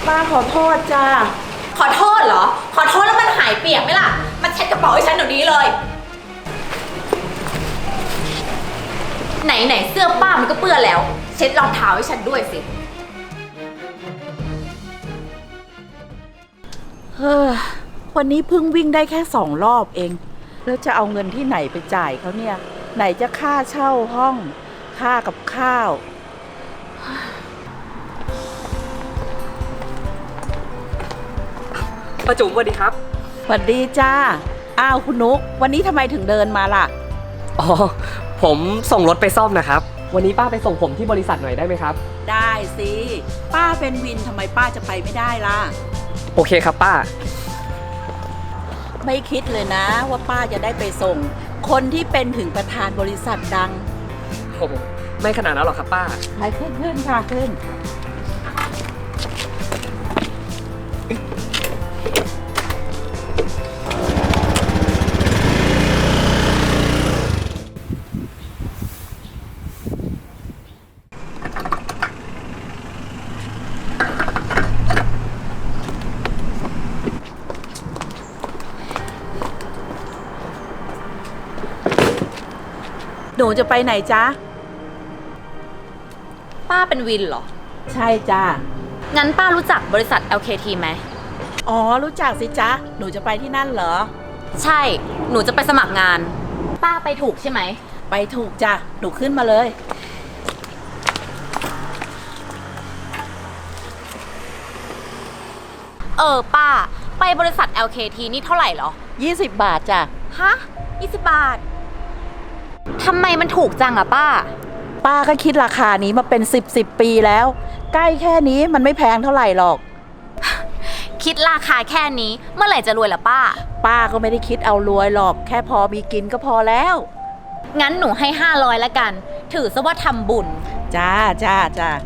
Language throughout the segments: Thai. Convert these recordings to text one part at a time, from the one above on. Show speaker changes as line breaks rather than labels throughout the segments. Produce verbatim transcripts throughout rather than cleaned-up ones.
ป้าขอโทษจ้า
ขอโทษเหรอขอโทษแล้วมันหายเปียกไหมล่ะมันเช็ดกระเป๋าให้ฉันเดี๋ยวนี้เลยไหนไหนเสื้อป้ามันก็เปื้อนแล้วเช็ดรองเท้าให้ฉันด้วยสิ
เฮ้อวันนี้เพิ่งวิ่งได้แค่สองรอบเองแล้วจะเอาเงินที่ไหนไปจ่ายเขาเนี่ยไหนจะค่าเช่าห้องค่ากับข้าว
ป้าจุ๋มสวัสดีครับ
สวัสดีจ้าอ้าวคุณนุ๊กวันนี้ทำไมถึงเดินมาล่ะ
อ๋อผมส่งรถไปซ่อมนะครับวันนี้ป้าไปส่งผมที่บริษัทหน่อยได้ไหมครับ
ได้สิป้าเป็นวินทำไมป้าจะไปไม่ได้ล่ะ
โอเคครับป้า
ไม่คิดเลยนะว่าป้าจะได้ไปส่งคนที่เป็นถึงประธานบริษัทดัง
โอ้โหไม่ขนาดนั้นหรอกครับป้า
ไปขึ้นขึ้นค่ะขึ้นหนูจะไปไหนจ๊ะ
ป้าเป็นวินเหรอ
ใช่จ้า
งั้นป้ารู้จักบริษัท แอล เค ที ไหม
อ๋อรู้จักสิจ๊ะหนูจะไปที่นั่นเหรอ
ใช่หนูจะไปสมัครงานป้าไปถูกใช่ไหม
ไปถูกจ้ะหนูขึ้นมาเลย
เออป้าไปบริษัท แอล เค ที นี่เท่าไหร่เหรอ
ยี่สิบบาทจ้ะ
ฮะยี่สิบบาททำไมมันถูกจังอะป้า
ป้าก็คิดราคานี้มาเป็นสิบสิบปีแล้วใกล้แค่นี้มันไม่แพงเท่าไหร่หรอก
คิดราคาแค่นี้เมื่อไหร่จะรวยล่ะป้า
ป้าก็ไม่ได้คิดเอารวยหรอกแค่พอมีกินก็พอแล้ว
งั้นหนูให้ห้าร้อยละกันถือซะว่าทำบุญ
จ้าจ้าจ้า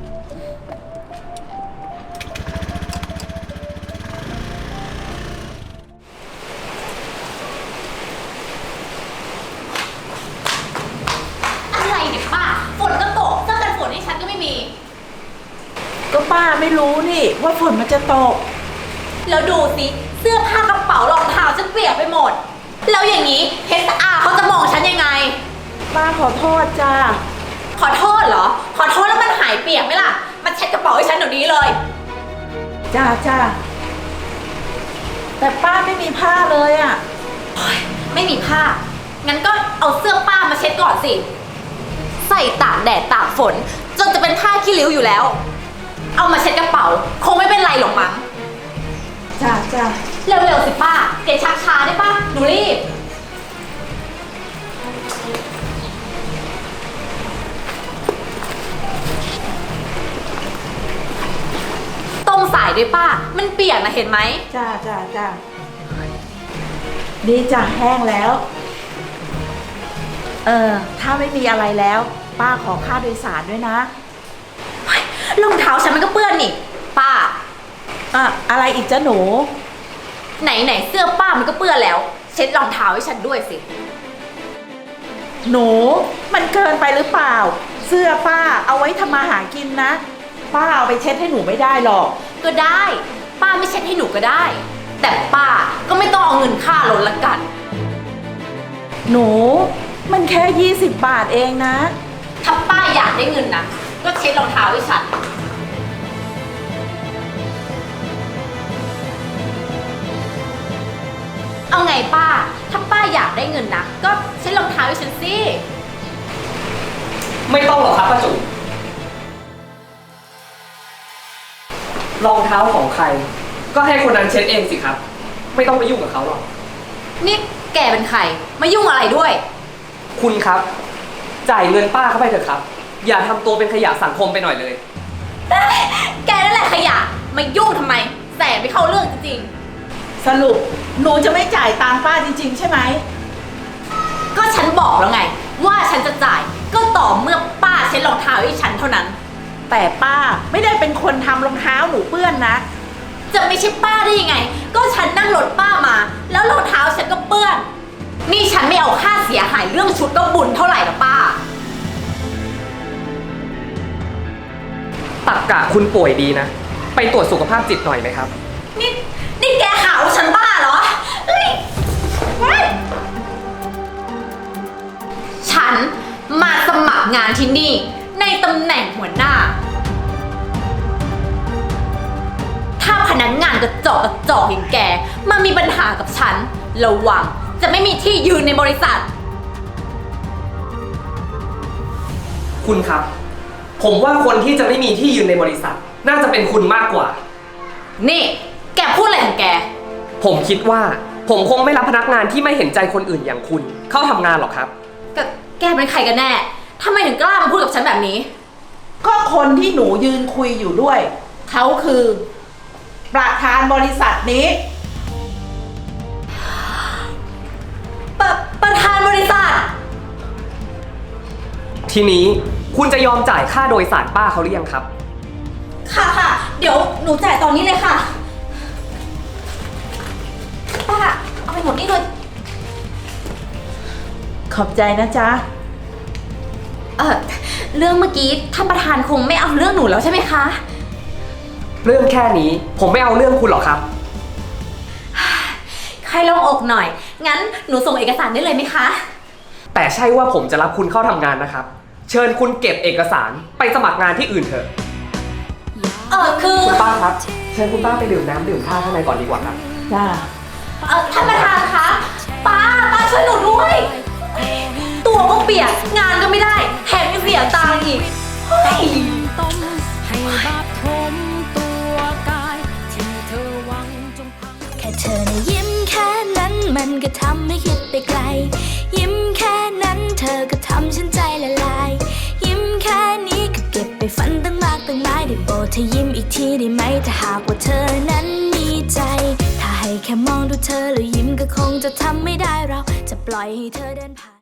ก็ป้าไม่รู้นี่ว่าฝนมันจะตก
แล้วดูสิเสื้อผ้ากระเป๋ารองเท้าฉันเปียกไปหมดแล้วอย่างนี้ เอช อาร์ เขาจะมองฉันยังไง
ป้าขอโทษจ้า
ขอโทษเหรอขอโทษแล้วมันหายเปียกไหมล่ะมันเช็ดกระเป๋าให้ฉันเดี๋ยวนี้เลย
จ้าจ้าแต่ป้าไม่มีผ้าเลยอ่ะ
ไม่มีผ้างั้นก็เอาเสื้อป้ามาเช็ดก่อนสิใส่ตากแดดตากฝนจนจะเป็นผ้าขี้ริ้วอยู่แล้วเอามาเช็ดกระเป๋าคงไม่เป็นไรหรอกมั้ง
จ้าจ้า
เร็วๆสิป้าเกชักช้าได้ป่ะหนูรีบต้มสายด้วยป้ามันเปียกนะเห็นไหม
จ้าจ้าจ้าดีจ้ะแห้งแล้วเออถ้าไม่มีอะไรแล้วป้าขอค่าโดยสารด้วยนะ
รองเท้าฉันมันก็เปื้อนนี่ป้า
อะอะไรอีกจ้ะหนู
ไหนไหนเสื้อป้ามันก็เปื้อนแล้วเช็ดรองเท้าให้ฉันด้วยสิ
หนูมันเกินไปหรือเปล่าเสื้อป้าเอาไว้ทำมาหากินนะป้าเอาไปเช็ดให้หนูไม่ได้หรอก
ก็ได้ป้าไม่เช็ดให้หนูก็ได้แต่ป้าก็ไม่ต้องเอาเงินค่ารถละกัน
หนูมันแค่ยี่สิบบาทเองนะ
ถ้าป้าอยากได้เงินนะก็เช็ดรองเท้าให้ฉันเอาไงป้าถ้าป้าอยากได้เงินนะก็เช็ดรองเท้าให้ฉันสิ
ไม่ต้องหรอกครับป้าจุ๋มรองเท้าของใครก็ให้คนนั้นเช็ดเองสิครับไม่ต้องไปยุ่งกับเขาหรอก
นี่แกเป็นใครมายุ่งอะไรด้วย
คุณครับจ่ายเงินป้าเข้าไปเถอะครับอย่าทำตัวเป็นขยะสังคมไปหน่อยเลย
แกนั่นแหละขยะมายุ่งทำไมแสบไม่เข้าเรื่องจริง
ๆสรุปหนูจะไม่จ่ายตังค์ป้าจริงๆใช่ไหม
ก็ฉันบอกแล้วไงว่าฉันจะจ่ายก็ต่อเมื่อป้าเช็ดรองเท้าให้ฉันเท่านั้น
แต่ป้าไม่ได้เป็นคนทำรองเท้าหนูเปื้อนนะ
จะไม่ใช่ป้าได้ยังไงก็ฉันนั่งรถป้ามาแล้วรองเท้าฉันก็เปื้อนนี่ฉันไม่เอาค่าเสียหายเรื่องชุดก็บุญเท่าไหร่ละป้า
ตักกะคุณป่วยดีนะไปตรวจสุขภาพจิตหน่อยไหมครับ
นี่นี่แกหาว่าฉันบ้าเหรอเฮ้ยเฮ้ยฉันมาสมัครงานที่นี่ในตำแหน่งหัวหน้า ถ้าพนักงานกระจอกกระจอกอย่างแกมามีปัญหากับฉันระวังจะไม่มีที่ยืนในบริษัท
คุณครับ ผมว่าคนที่จะไม่มีที่ยืนในบริษัท น่าจะเป็นคุณมากกว่า
นี่แกพูดอะไรของแก
ผมคิดว่าผมคงไม่รับพนักงานที่ไม่เห็นใจคนอื่นอย่างคุณ เข้าทำงานหรอกครับ
แกแกเป็นใครกันแน่ทำไมถึงกล้ามาพูดกับฉันแบบนี้
ก็คนที่หนูยืนคุยอยู่ด้วย เขาคือ ประธานบริษัทนี้
ประประธานบริษัท
ทีนี้คุณจะยอมจ่ายค่าโดยสารป้าเขาหรือยังครับ
ค่ะค่ะ เดี๋ยวหนูจ่ายตอนนี้เลยค่ะ ป้า เอาไปหมดนี่เลย
ขอบใจนะจ๊ะ
เออเรื่องเมื่อกี้ท่านประธานคงไม่เอาเรื่องหนูแล้วใช่ไหมคะ
เรื่องแค่นี้ผมไม่เอาเรื่องคุณหรอกครับ
ใครลงอกหน่อย งั้นหนูส่งเอกสารได้เลยไหมคะ
แต่ใช่ว่าผมจะรับคุณเข้าทำงานนะครับ เชิญคุณเก็บเอกสารไปสมัครงานที่อื่นเถอะ
เออคือ
คุณป้าครับ เชิญคุณป้าไปดื่มน้ำดื่มท่าข้างในก่อนดีกว่าครับ
จ้า
เออท่านประธานคะ ป้า ป้าช่วยหนูด้วย ตัวก็เปียก งานก็ไม่ได้ แถมยังเสียตังค์อีกเฮ้ย
ต้มให้บาปทมตัวกายที่เธอหวังจงพังแค่เธอนะยิ้มแค่นั้นมันก็ทำให้คิดไปไกล ยิ้มแค่นั้นเธอก็ทำฉันใจละลาย ยิ้มแค่นี้ก็เก็บไปฝันตั้งมากตั้งหลายได้โปรดเธอยิ้มอีกทีได้ไหมถ้าหากว่าเธอนั้นมีใจ ถ้าให้แค่มองดูเธอแล้วยิ้มก็คงจะทำไม่ได้เราจะปล่อยให้เธอเดินผ่าน